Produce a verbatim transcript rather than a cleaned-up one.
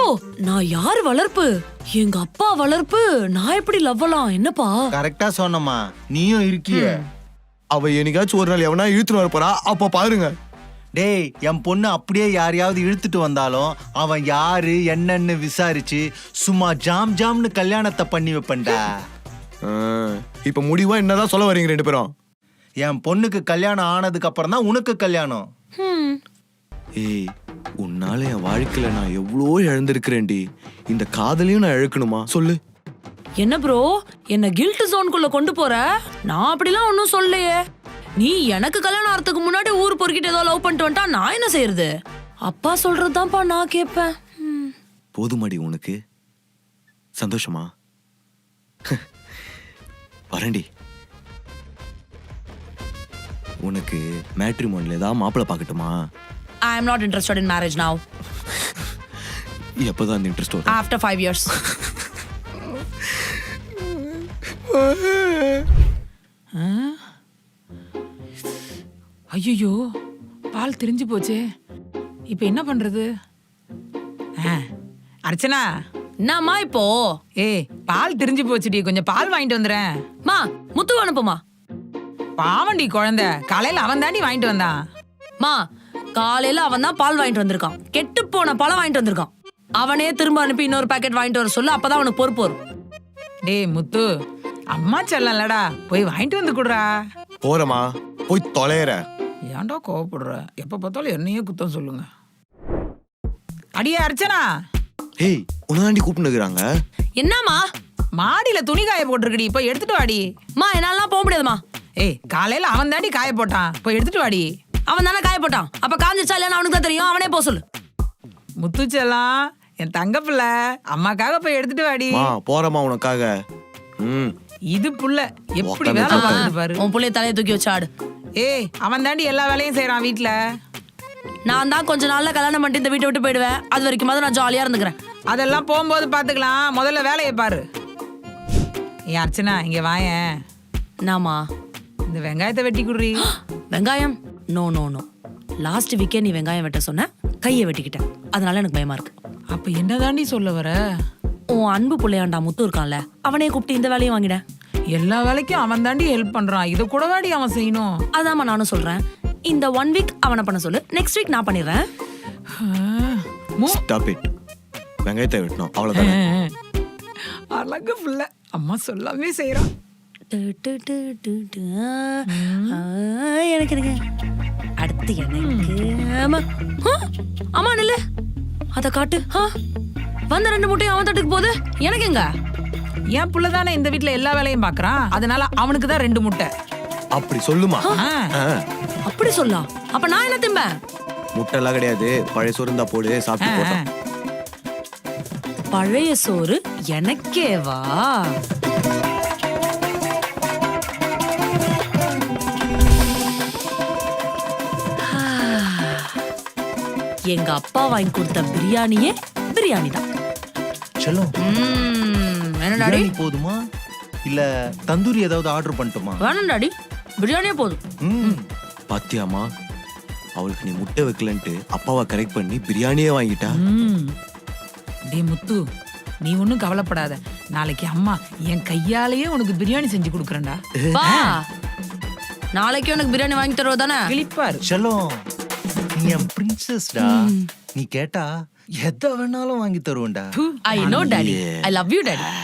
நான் யார் வளர்ப்பு? எங்க அப்பா வளர்ப்பு. நான் எப்படி லவ்வலாம்? என்னப்பா கரெக்டா சொன்னம்மா, நீயும் இருக்கிய. அவ என்னைக்காச்சும் ஒரு நாள் எவனா இழுத்துட்டு வர போறா, அப்ப பாருங்க. டேய், என் பொண்ணு அப்படியே யாரையாவது இழுத்துட்டு வந்தாலும் அவன் யாரு என்னன்னு விசாரிச்சு சும்மா ஜாம் ஜாம்னு கல்யாணத்தை பண்ணி வைப்பேன்டா. இப்ப முடிவா என்னதான் சொல்ல வரீங்க ரெண்டு பேரும்? என் பொண்ணுக்கு கல்யாணம் ஆனதுக்கு அப்புறம் தான் உனக்கு கல்யாணம். ஏய், உன்னால என் வாழ்க்கையில நான் எவ்வளோ இழந்திருக்கிறேன்டி. இந்த காதலையும் நான் இழக்கணுமா சொல்லு? என்ன ப்ரோ, என்ன கில்ட் ஜோனுக்குள்ள கொண்டு போற? நான் அப்படிலாம் ஒன்னும் சொல்லலையே. நீ எனக்கு கல்யாணம் ஆறதுக்கு முன்னாடி ஊர் பொறுக்கிட்டு ஏதோ லவ் பண்ணிட்டு வந்துட்டா நான் என்ன செய்யறது? அப்பா சொல்றதுதான்ப்பா நான் கேட்பேன். போதுமாடி உனக்கு? சந்தோஷமா? வரண்டி. உனக்கு மேட்ரிமோனில ஏதாவது மாப்பிள்ளை பார்க்கட்டுமா? I am not interested in marriage now. எப்பதான் அந்த இன்ட்ரெஸ்ட் வரும்? After five years. ஐயோ, பால் திரிஞ்சு போச்சே. இப்ப என்ன பண்றது? அர்ச்சனா, என்னம்மா இப்போ? ஏய், பால் திரிஞ்சு போச்சுடி, கொஞ்சம் பால் வாங்கிட்டு வந்துறேன். மா, முத்து அனுப்புமா. பாவண்டி குழந்தை, காலையில அவன் தாண்டி வாங்கிட்டு வந்தான். மா, காலையில அவன் தான் பால் வாங்கிட்டு வந்திருக்கான். கெட்டு போன பழம் வாங்கிட்டு வந்திருக்கான். அவனே திரும்ப அனுப்பி இன்னொரு பாக்கெட் வாங்கிட்டு வர சொல்லு, அப்பதான் அவனுக்கு பொறுப்பு வரும். டேய் முத்து, அம்மா செல்லலடா, போய் வாங்கிட்டு வந்து குடுறா. போறமா, போய் தொலைற. ஏன்டா கோவப்படுற? எப்ப பார்த்தாலும் என்னையே குத்தம் சொல்லுங்க. அடியே அர்ச்சனா. ஏய், உனதாண்டி கூப்பிட்டுக்கிறாங்க. என்னம்மா? மாடியில துணி காய போட்டிருக்கடி, போய் எடுத்துட்டு வாடி. மா, என்னாலாம் போக முடியாதுமா. ஏய், காலையில அவன் தாண்டி காய போட்டான், போய் எடுத்துட்டு வாடி. அவன் தானே காய போட்டான், அப்ப காஞ்சிச்சா இல்லைன்னு அவனுக்கு தான் தெரியும். அவனே போக சொல்லு. முத்து செல்லம், என் தங்க பிள்ளை, அம்மாக்காக போய் எடுத்துட்டு வாடி. மா, போறமா உனக்காக. ம், இது புள்ள எப்படி வேலை பார்க்குது பாரு. உன் புள்ளைய தலையை தூக்கி வச்சு ஆடு. ஏய், அவன் தாண்டி எல்லா வேலையும் செய்யறான் வீட்டுல. நான் தான் கொஞ்ச நாள்ல கல்யாணம் பண்ணிட்டு இந்த வீட்டை விட்டு போயிடுவேன். அது வரைக்கும் நான் ஜாலியா இருந்துக்கிறேன். அதெல்லாம் போகும்போது பாத்துக்கலாம், முதல்ல வேலையை பாரு. ஏ அர்ச்சனா, இங்க வாயேன். நாமா, இந்த வெங்காயத்தை வெட்டி குடுறி. வெங்காயம்? No no no. லாஸ்ட் வீக்கே நீ வெங்காயம் வெட்ட சொன்ன, கையை வெட்டிக்கிட்டேன். அதனால எனக்கு பயமா இருக்கு. அப்ப என்ன தாண்டி சொல்ல வர? உன் அன்பு பிள்ளையாண்டா முத்து இருக்கான்ல, அவனே கூப்பிட்டு இந்த வேலையும் வாங்கிட. எல்லா வேலைக்கும் அவன் தாண்டி ஹெல்ப் பண்றான், இதை கூட வாடி அவன் செய்யணும். அதாம்மா நானும் சொல்றேன். இந்த ஒன் வீக் அவனை பண்ண சொல்லு, நெக்ஸ்ட் வீக் நான் பண்ணிடுறேன். Stop it. வெங்காயத்தை வெட்டணும், அவ்வளவுதான். அழகு புள்ள, அம்மா சொல்லாமே செய்யறான். எனக்கு எனக்கு அடுத்து எனக்கு ஆமா ஆமா நில்லு, அத காட்டு. வந்த ரெண்டு முட்டையும் அவன் தட்டுக்கு போகுது, எனக்கு எங்க? என் புள்ளதானே இந்த வீட்டுல எல்லா வேலையும் பாக்குறான், அதனால அவனுக்கு தான் ரெண்டு முட்டை. அப்படி சொல்லுமா? அப்படி சொல்லலாம். அப்ப நான் என்ன திம்பேன்? முட்டை எல்லாம் கிடையாது, பழைய சோறு இருந்தா போடு, சாப்பிட்டு போட்டான். பழைய சோறு எனக்கேவா? எங்க அப்பா வாங்கி கொடுத்த பிரியாணியே பிரியாணி தான். செல்லம், என்ன டாடி? போதுமா இல்ல தந்தூரி ஏதாவது ஆர்டர் பண்ணட்டுமா? வேணாம் டாடி, பிரியாணியே போதும். பாத்தியாமா, அவளுக்கு நீ முட்டை வைக்கலன்ட்டு அப்பாவை கரெக்ட் பண்ணி பிரியாணியே வாங்கிட்டா. டே முத்து, நீ ஒன்னும் கவலைப்படாத, நாளைக்கு அம்மா என் கையாலேயே உனக்கு பிரியாணி செஞ்சு கொடுக்குறேன்டா. வா, நாளைக்கு உனக்கு பிரியாணி வாங்கி தருவ தானே? கிளிப்பாரு. செல்லம், நீ என் பிரின்சஸ்டா. நீ கேட்டா எதை வேணாலும் வாங்கி தருவேன்டா. I know daddy. I love you daddy.